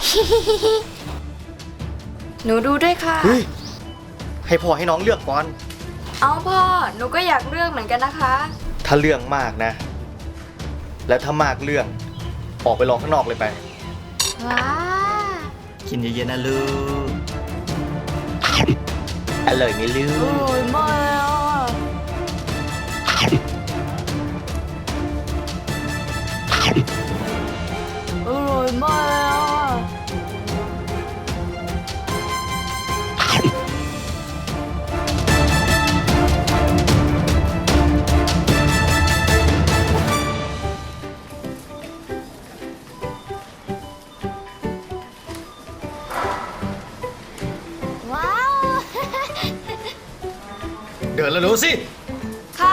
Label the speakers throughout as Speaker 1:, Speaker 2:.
Speaker 1: หนูดูด้วยค่ะ
Speaker 2: เฮ้ยให้พ่อให้น้องเลือกก่อน
Speaker 1: เอาพ่อหนูก็อยากเลือกเหมือนกันนะคะ
Speaker 2: ถ้าเรื่องมากนะ แล้วถ้ามากเรื่องออกไปรอข้างนอกเลยไป
Speaker 1: ว้า
Speaker 2: กินเย็นๆนะลูกอร่อยไหมลู
Speaker 1: โอ้
Speaker 2: ก
Speaker 1: ยไม่อร่อยมากว้าว
Speaker 2: เดินแล้วรู้สิ
Speaker 1: ค่ะ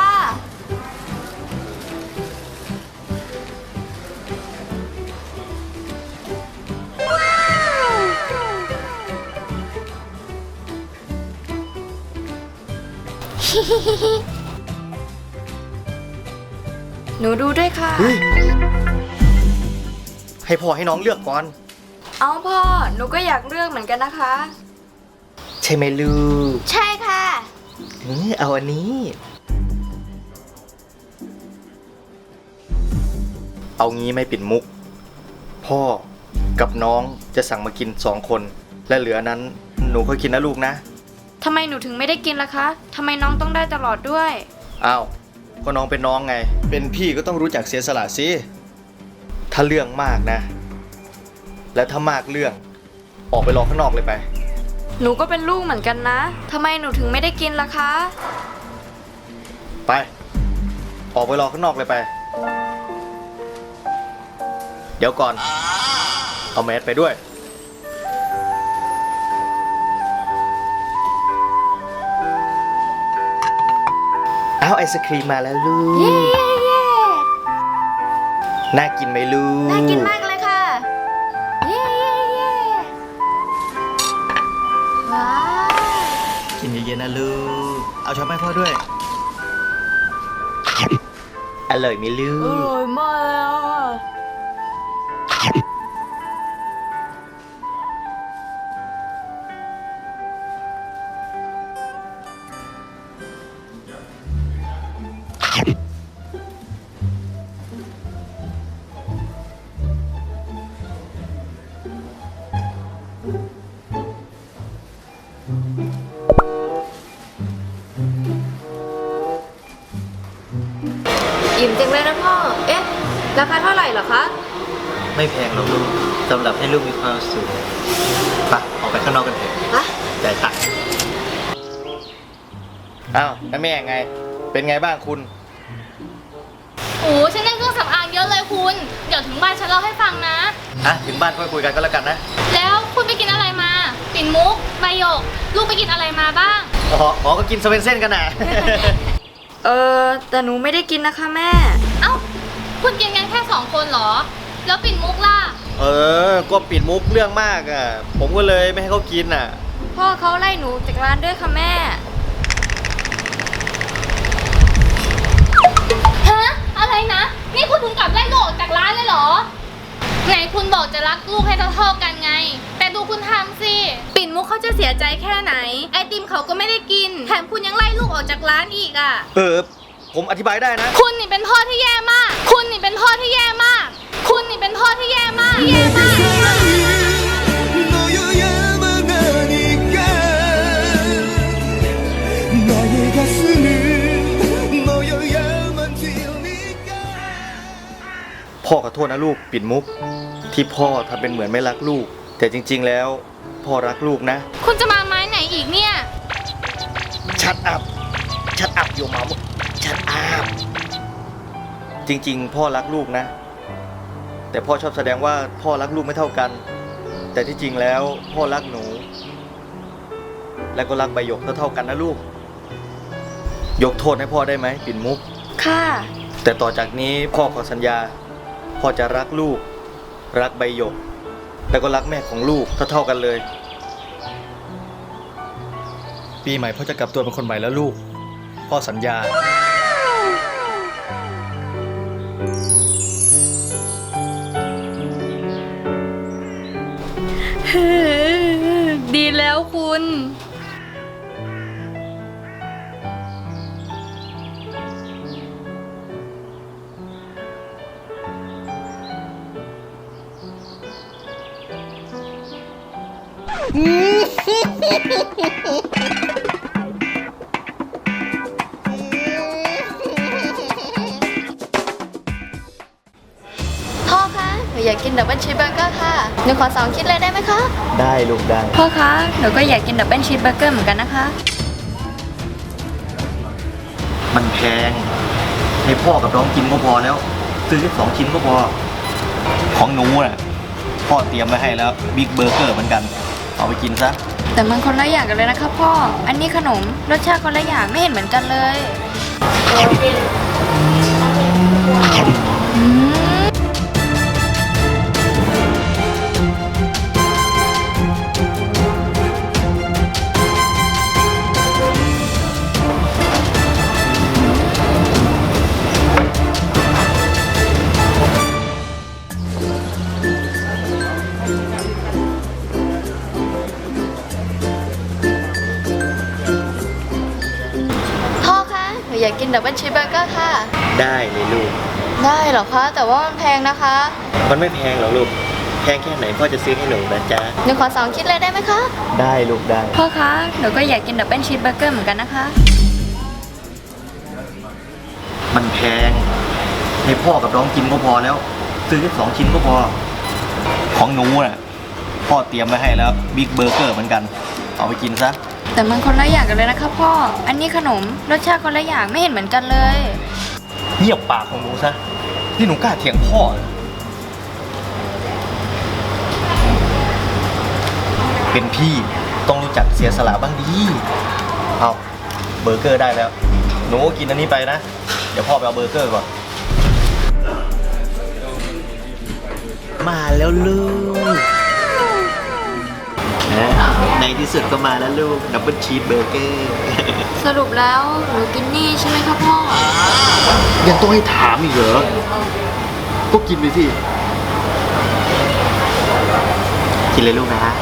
Speaker 1: หนูดูด้วยค่ะ
Speaker 2: เฮ้ยให้พ่อให้น้องเลือกก่อน
Speaker 1: เอาพ่อหนูก็อยากเลือกเหมือนกันนะคะ
Speaker 2: ใช่ไหมลูก
Speaker 1: ใช่ค่ะ
Speaker 2: เอาอันนี้ เอางี้ไม่ปิดมุก พ่อกับน้องจะสั่งมากิน2 คน และเหลือนั้นหนูค่อยกินนะลูกนะ
Speaker 1: ทำไมหนูถึงไม่ได้กินล่ะคะ ทำไมน้องต้องได้ตลอดด้วย
Speaker 2: อ้าวก็น้องเป็นน้องไง เป็นพี่ก็ต้องรู้จักเสียสละสิ ถ้าเรื่องมากนะ แล้วถ้ามากเรื่องออกไปรอข้างนอกเลยไป
Speaker 1: หนูก็เป็นลูกเหมือนกันนะ ทำไมหนูถึงไม่ได้กินล่ะคะ
Speaker 2: ไป ออกไปรอข้างนอกเลยไป เดี๋ยวก่อน เอาแมสไปด้วย เอาไอศครีมมาแล้วลูก
Speaker 1: เย้เย้เย้
Speaker 2: น่ากินไหมลูก
Speaker 1: น่ากินมากเลยค่ะ เย้เย้เย้ว้าว
Speaker 2: กินเย็นๆนะลูก เอาช้อนให้พ่อด้วย อร่อยไหมลู
Speaker 1: อก ร่อยมาก อิ่มจังเลยนะพ่อ เอ๊ะ ราคาเท่าไหร่เหรอคะ
Speaker 2: ไม่แพงหรอกลูกสำหรับให้ลูกมีความสุขไปออกไปข้างนอกกันเถอะ
Speaker 1: ฮะ
Speaker 2: จ่ายตังค์อ้าวแล้วแม่ไง เป็นไงบ้างคุณ
Speaker 3: โอ้ฉันได้เครื่องสำอางเยอะเลยคุณ เดี๋ยวถึงบ้านฉันเล่าให้ฟังนะ
Speaker 2: ถึงบ้านค่อยคุยกันก็แล้วกันนะ
Speaker 3: แล้วคุณไปกินอะไรมา ปิ่นมุก ใบหยก ลูกไปกินอะไรมาบ้าง
Speaker 2: อ๋อก็กินสเวนเซ่นกันนะ
Speaker 1: แต่หนูไม่ได้กินนะคะแม่
Speaker 3: เอ้า คุณกินกันแค่2 คนเหรอ แล้วปิ่นมุกล่ะ
Speaker 2: ก็ปิดมุกเรื่องมากอ่ะ ผมก็เลยไม่ให้เขากินอ่ะ
Speaker 1: พ่อเขาไล่หนูจากร้านด้วยค่ะแม่
Speaker 3: ฮะ อะไรนะ นี่คุณถึงกับไล่ลูกออกจากร้านเลยเหรอ ไหนคุณบอกจะรักลูกให้เท่าๆกันไง แต่ดูคุณทำสิ ปิ่นมุกเขาจะเสียใจแค่ไหน ไอติมเขาก็ไม่ได้กิน แถมคุณยังไล่ลูกออกจากร้านอีกอ่ะ
Speaker 2: ผมอธิบายได้นะ
Speaker 3: คุณนี่เป็นพ่อที่แย่มาก คุณนี่เป็นพ่อที่แย่มาก คุณนี่เป็นพ่อที่แย่มาก แย่มาก
Speaker 4: 너여야만 하니까 나의 가슴을 너여야만 들니까
Speaker 2: พ่อขอโทษนะลูกปิดมุก ที่พ่อทำเป็นเหมือนไม่รักลูก แต่จริง ๆ แล้ว พ่อรักลูกนะ
Speaker 3: คุณจะมาไม้ไหนอีกเนี่ย
Speaker 2: ชัดอัพอยู่มาชัดอัพจริง ๆ พ่อรักลูกนะ แต่พ่อชอบแสดงว่าพ่อรักลูกไม่เท่ากัน แต่ที่จริงแล้วพ่อรักหนู และก็รักใบหยกเท่ากันนะลูก ยกโทษให้พ่อได้ไหมปิ่นมุก
Speaker 1: ค่ะ
Speaker 2: แต่ต่อจากนี้พ่อขอสัญญา พ่อจะรักลูก รักใบหยก แล้วก็รักแม่ของลูกเท่ากันเลย ปีใหม่พ่อจะกลับตัวเป็นคนใหม่แล้วลูก พ่อสัญญา พ
Speaker 3: ดีแล้วคุณ
Speaker 1: พ่อคะหนูอยากกินดับเบิลชีสเบอร์เกอร์ค่ะหนูขอ2คิดเลยได้ไหมคะ
Speaker 2: ได้ลูกได้
Speaker 3: พ่อคะ หนูก็อยากกินดับเบิลชีสเบอร์เกอร์เหมือนกันนะคะ
Speaker 2: มันแพงให้พ่อกับน้องกินก็พอแล้ว ซื้อแค่2 ชิ้นก็พอ ของหนูน่ะพ่อเตรียมไว้ให้แล้วบิ๊กเบอร์เกอร์เหมือนกัน เอาไปกินซะ
Speaker 3: แต่มันคนละอย่างกันเลยนะคะพ่อ อันนี้ขนมรสชาติคนละอย่างไม่เห็นเหมือนกันเลยอืม
Speaker 1: พ่อคะหนูอยากกินดับเบิลชีสเบอร์เกอร์ค่ะ
Speaker 2: ได้เลยลูก
Speaker 1: ได้เหรอคะ แต่ว่ามันแพงนะคะ
Speaker 2: มันไม่แพงหรอกลูก แพงแค่ไหนพ่อจะซื้อให้หนูนะจ๊ะ
Speaker 1: หนูขอ2คิดเลยได้ไหมคะ
Speaker 2: ได้ลูกได้
Speaker 3: พ่อคะ หนูก็อยากกินดับเบิลชีสเบอร์เกอร์เหมือนกันนะคะ
Speaker 2: มันแพงให้พ่อกับน้องกินก็พอแล้ว ซื้อแค่2 ชิ้นก็พอ ของหนูน่ะพ่อเตรียมไว้ให้แล้วบิ๊กเบอร์เกอร์เหมือนกัน เอาไปกินซะ
Speaker 3: แต่มันคนละอย่างกันเลยนะคะพ่อ อันนี้ขนมรสชาติคนละอย่างไม่เห็นเหมือนกันเลย
Speaker 2: เงียบปากของหนูซะนี่หนูกล้าเถียงพ่อเหรอเป็นพี่ต้องรู้จักเสียสละบ้างดีเอาเบอร์เกอร์ได้แล้ว หนูก็กินอันนี้ไปนะ เดี๋ยวพ่อไปเอาเบอร์เกอร์ก่อน มาแล้วลูกในที่สุดก็มาแล้วลูกดับเบิลชีสเบอร์เกอร์
Speaker 3: สรุปแล้วหนูกินนี่ใช่ไหมคะพ่อ
Speaker 2: ยังต้องให้ถามอีกเหรอ ก็กินไปสิ กินเลยลูกนะฮะ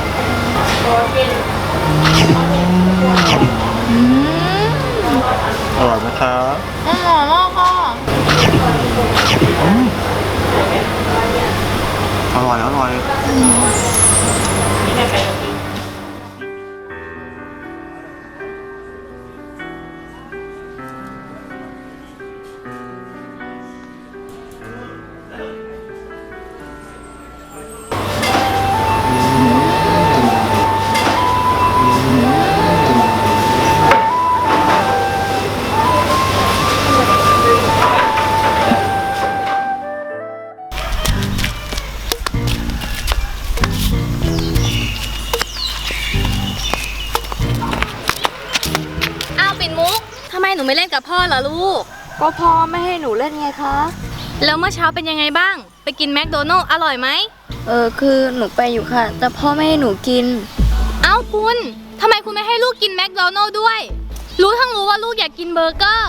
Speaker 3: อืม
Speaker 2: อร่อยไหมครับ
Speaker 3: อร่อยมากค่ะ
Speaker 2: อร่อยอร่อย
Speaker 3: อ้าวปิ่นมุกทำไมหนูไม่เล่นกับพ่อเหรอลูก
Speaker 1: ก็พ่อไม่ให้หนูเล่นไงคะ
Speaker 3: แล้วเมื่อเช้าเป็นยังไงบ้าง ไปกินแมคโดนัลล์อร่อยไหม
Speaker 1: คือหนูไปอยู่ค่ะ แต่พ่อไม่ให้หนูกิน
Speaker 3: เอ้าคุณทำไมคุณไม่ให้ลูกกินแมคโดนัลล์ด้วย รู้ทั้งรู้ว่าลูกอยากกินเบอร์เกอร์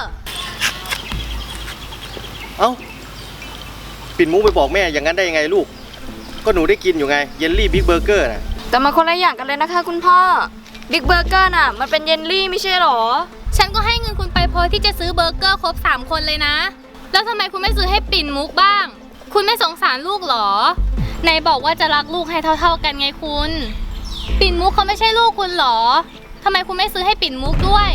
Speaker 2: เอ้า ปิ่นมุกไปบอกแม่อย่างนั้นได้ยังไงลูก ก็หนูได้กินอยู่ไง เยลลี่บิ๊กเบอร์เกอร์น่ะ
Speaker 1: แต่มันคนละอย่างกันเลยนะคะคุณพ่อ บิ๊กเบอร์เกอร์น่ะ มันเป็นเยลลี่ไม่ใช่หรอ
Speaker 3: ฉันก็ให้เงินคุณไปพอที่จะซื้อเบอร์เกอร์ครบ3 คนเลยนะ แล้วทำไมคุณไม่ซื้อให้ปิ่นมุกบ้าง คุณไม่สงสารลูกเหรอไหนบอกว่าจะรักลูกให้เท่าๆกันไงคุณ ปิ่นมุกเขาไม่ใช่ลูกคุณเหรอทำไมคุณไม่ซื้อให้ปิ่นมุกด้วย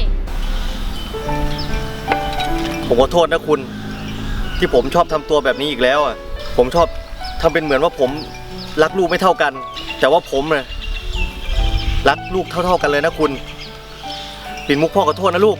Speaker 2: ผมขอโทษนะคุณ ที่ผมชอบทำตัวแบบนี้อีกแล้วอ่ะ ผมชอบทำเป็นเหมือนว่าผมรักลูกไม่เท่ากัน แต่ว่าผมน่ะรักลูกเท่าๆกันเลยนะคุณ ปิ่นมุกพ่อขอโทษนะลูก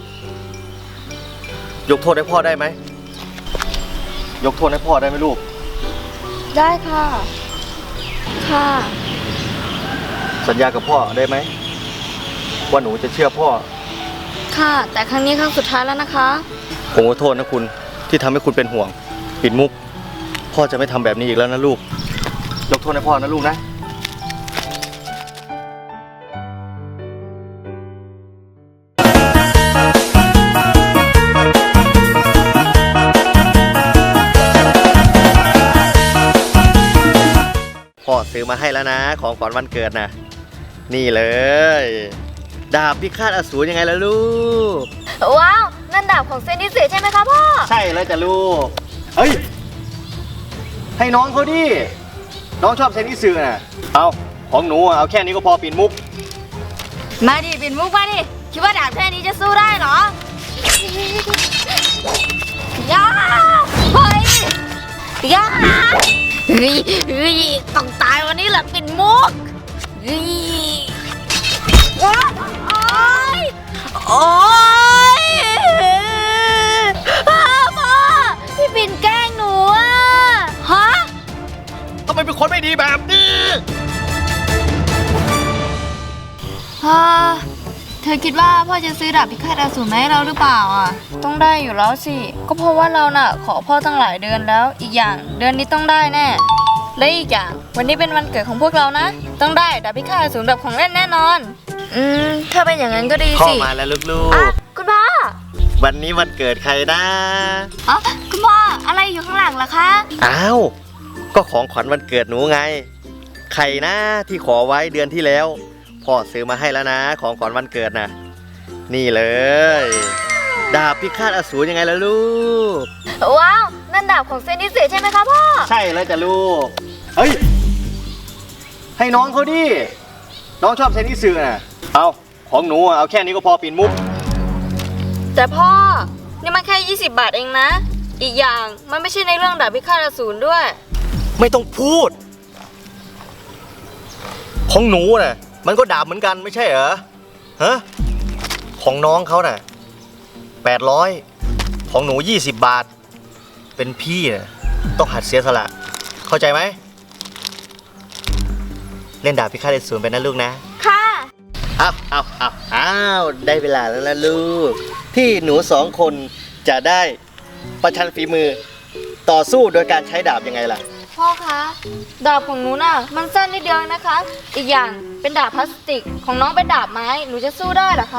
Speaker 2: ยกโทษให้พ่อได้ไหม ยกโทษให้พ่อได้ไหมลูก
Speaker 1: ได้ค่ะ ค่ะ
Speaker 2: สัญญากับพ่อได้ไหมว่าหนูจะเชื่อพ่อ
Speaker 1: ค่ะ แต่ครั้งนี้ครั้งสุดท้ายแล้วนะคะ
Speaker 2: ผมขอโทษนะคุณที่ทำให้คุณเป็นห่วง ปิ่นมุก พ่อจะไม่ทำแบบนี้อีกแล้วนะลูก ยกโทษให้พ่อนะลูกนะ พ่อซื้อมาให้แล้วนะ ของขวัญวันเกิดนะนี่เลย ดาบพิฆาตอสูรยังไงล่ะลูก
Speaker 1: ว้าว นั่นดาบของเซนดิเซใช่ไหมคะพ่อ
Speaker 2: ใช่แล้วจ้ะลูก เฮ้ย ให้น้องเขาดิ น้องชอบเซนอิสึน่ะ เอาของหนูเอาแค่นี้ก็พอปิ่นมุก
Speaker 1: มาดิปิ่นมุกมาดิ คิดว่าดาบแค่นี้จะสู้ได้เหรอย่าเฮ้ยย่าเฮ้ยต้องตายวันนี้แหละปิ่นมุกเฮ้ยว้าโอ๊ยโอ๊ยพ่อพี่ปิ่นแกล้งหนูอะฮะ
Speaker 2: ทำไมเป็นคนไม่ดีแบบนี้
Speaker 1: เธอคิดว่าพ่อจะซื้อดาบพิฆาตอสูรมาให้เราหรือเปล่าอ่ะ ต้องได้อยู่แล้วสิ ก็เพราะว่าเราน่ะ ขอพ่อตั้งหลายเดือนแล้ว อีกอย่างเดือนนี้ต้องได้แน่ และอีกอย่างวันนี้เป็นวันเกิดของพวกเรานะ ต้องได้ดาบพิฆาตอสูรแบบของเล่นแน่นอน ถ้าเป็นอย่างนั้นก็ดี
Speaker 2: พ่อ
Speaker 1: สิ
Speaker 2: มาแล้วลูก
Speaker 1: อ่ะคุณพ่อ
Speaker 2: ๆ วันนี้วันเกิดใครนะ
Speaker 1: อ๋อคุณพ่ออะไรอยู่ข้างหลังล่ะคะ
Speaker 2: อ้าว ก็ของขวัญวันเกิดหนูไง ใครนะที่ขอไว้เดือนที่แล้ว พ่อซื้อมาให้แล้วนะ ของขวัญวันเกิดนะนี่เลย ดาบพิฆาตอสูรยังไงล่ะลูก
Speaker 1: ว้าวนั่นดาบของเซนดิเซใช่ไหมคะพ่อ
Speaker 2: ใช่แล้วจ้ะลูก เฮ้ย ให้น้องเขาดิ น้องชอบเซนอิสึน่ะ เอาของหนูเอาแค่นี้ก็พอปิ่นมุก
Speaker 1: แต่พ่อนี่มันแค่20 บาทเองนะ อีกอย่างมันไม่ใช่ในเรื่องดาบพิฆาตอสูรด้วย
Speaker 2: ไม่ต้องพูด ของหนูน่ะ มันก็ดาบเหมือนกันไม่ใช่เหรอ ฮะ ของน้องเขาน่ะ800ของหนู20 บาท เป็นพี่น่ะต้องหัดเสียสละ เข้าใจไหม เล่นดาบพิฆาตอสูรไปนะลูกนะ
Speaker 1: ค่ะ
Speaker 2: อ้าวได้เวลาแล้วล่ะลูก ที่หนู2 คนจะได้ประชันฝีมือ ต่อสู้โดยการใช้ดาบยังไงล่ะ
Speaker 1: พ่อคะดาบของหนูน่ะมันสั้นนิดเดียวนะคะ อีกอย่างเป็นดาบพลาสติกของน้องเป็นดาบไม้หนูจะสู้ได้เหรอคะ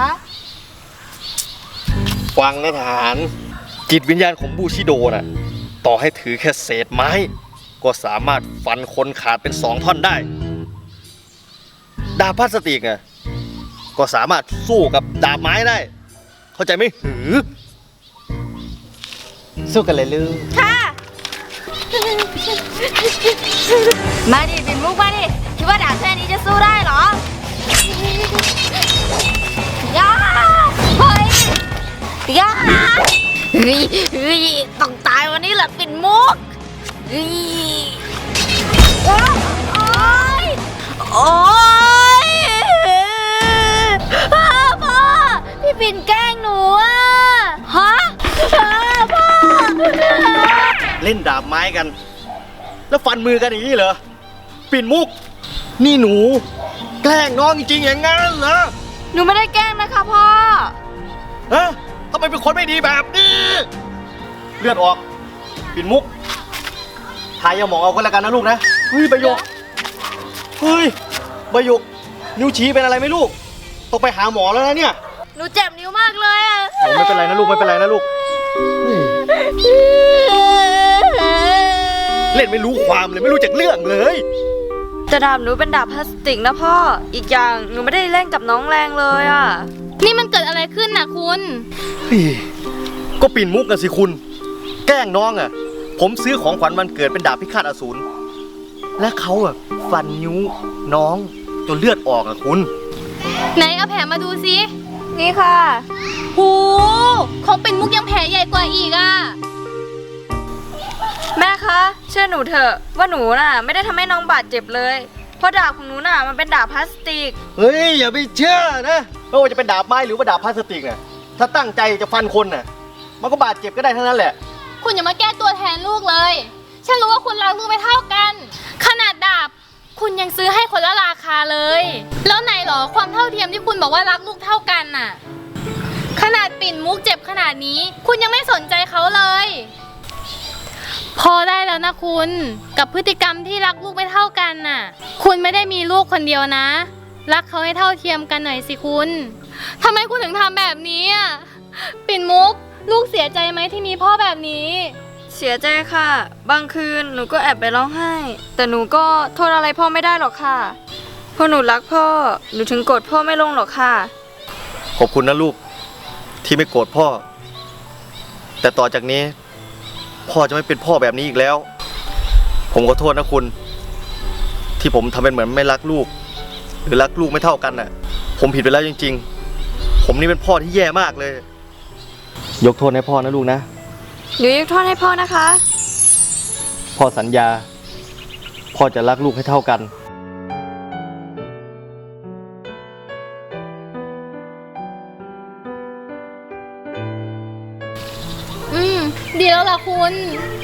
Speaker 2: ฟังนะทหาร จิตวิญญาณของบูชิโดน่ะ ต่อให้ถือแค่เศษไม้ ก็สามารถฟันคนขาดเป็น2 ท่อนได้ ดาบพลาสติกอ่ะก็สามารถสู้กับดาบไม้ได้ เข้าใจไหมหือ สู้กันเลยลูก
Speaker 1: ค่ะ มาดิปิ่นมุกมาดิคิดว่าดาบแค่นี้จะสู้ได้เหรอย่าเฮ้ยย่าเฮ้ยต้องตายวันนี้แหละปิ่นมุกเฮ้ยโอ๊ยโอ๊ยพ่อพี่ปิ่นแกล้งหนูอะฮะพ่อ
Speaker 2: เล่นดาบไม้กัน แล้วฟันมือกันอย่างนี้เหรอ ปิ่นมุก นี่หนู แกล้งน้องจริงๆอย่างงั้นเหรอ
Speaker 1: หนูไม่ได้แกล้งนะคะพ่อ
Speaker 2: ฮะทำไมเป็นคนไม่ดีแบบนี้ เลือดออก ปิ่นมุก ทายาหมองเอาก็แล้วกันนะลูกนะ เฮ้ยใบหยก เฮ้ยใบหยก นิ้วชี้เป็นอะไรไหมลูก ต้องไปหาหมอแล้วนะเนี่ย
Speaker 1: หนูเจ็บนิ้วมากเลยอะ
Speaker 2: โอ้ไม่เป็นไรนะลูกไม่เป็นไรนะลูกเฮ้ยเล่นไม่รู้ความเลยไม่รู้จักเรื่องเลย
Speaker 1: แต่ดาบหนูเป็นดาบพลาสติกนะพ่อ อีกอย่างหนูไม่ได้เล่นกับน้องแรงเลยอะ
Speaker 3: นี่มันเกิดอะไรขึ้นน่ะคุณ
Speaker 2: เฮ้ยก็ปิ่นมุกกันสิคุณ แกล้งน้องอ่ะ ผมซื้อของขวัญวันเกิดเป็นดาบพิฆาตอสูร และเขาอ่ะฟันนิ้วน้องจนเลือดออกอ่ะคุณ
Speaker 3: ไหนเอาแผลมาดูสิ
Speaker 1: นี่ค่ะ
Speaker 3: หูของเป็นมุกยังแผลใหญ่กว่าอีกอ่ะ
Speaker 1: แม่คะเชื่อหนูเถอะว่าหนูน่ะไม่ได้ทำให้น้องบาดเจ็บเลย เพราะดาบของหนูน่ะมันเป็นดาบพลาสติก
Speaker 2: เฮ้ยอย่าไปเชื่อนะไม่ว่าจะเป็นดาบไม้หรือว่าดาบพลาสติกน่ะถ้าตั้งใจจะฟันคนน่ะมันก็บาดเจ็บก็ได้ทั้งนั้นแหละ
Speaker 3: คุณอย่ามาแก้ตัวแทนลูกเลย ฉันรู้ว่าคุณรักลูกไม่เท่ากัน ขนาดดาบคุณยังซื้อให้คนละราคาเลย แล้วไหนหรอความเท่าเทียมที่คุณบอกว่ารักลูกเท่ากันน่ะ ขนาดปิ่นมุกเจ็บขนาดนี้ คุณยังไม่สนใจเขาเลย พอได้แล้วนะคุณ กับพฤติกรรมที่รักลูกไม่เท่ากันน่ะ คุณไม่ได้มีลูกคนเดียวนะ รักเขาให้เท่าเทียมกันหน่อยสิคุณทำไมคุณถึงทำแบบนี้อ่ะปิ่นมุกลูกเสียใจไหมที่มีพ่อแบบนี้
Speaker 1: เสียใจค่ะ บางคืนหนูก็แอบไปร้องไห้ แต่หนูก็โทษอะไรพ่อไม่ได้หรอกค่ะ พพอหนูรักพ่อ หนูถึงโกรธพ่อไม่ลงหรอกค่ะ
Speaker 2: ขอบคุณนะลูกที่ไม่โกรธพ่อ แต่ต่อจากนี้ พ่อจะไม่เป็นพ่อแบบนี้อีกแล้ว ผมขอโทษนะคุณ ที่ผมทำเป็นเหมือนไม่รักลูก หรือรักลูกไม่เท่ากันน่ะ ผมผิดไปแล้วจริงๆ ผมนี่เป็นพ่อที่แย่มากเลย ยกโทษให้พ่อนะลูกนะ
Speaker 1: หนูยกโทษให้พ่อนะคะ
Speaker 2: พ่อสัญญา พ่อจะรักลูกให้เท่ากัน
Speaker 3: ดีแล้วล่ะคุณ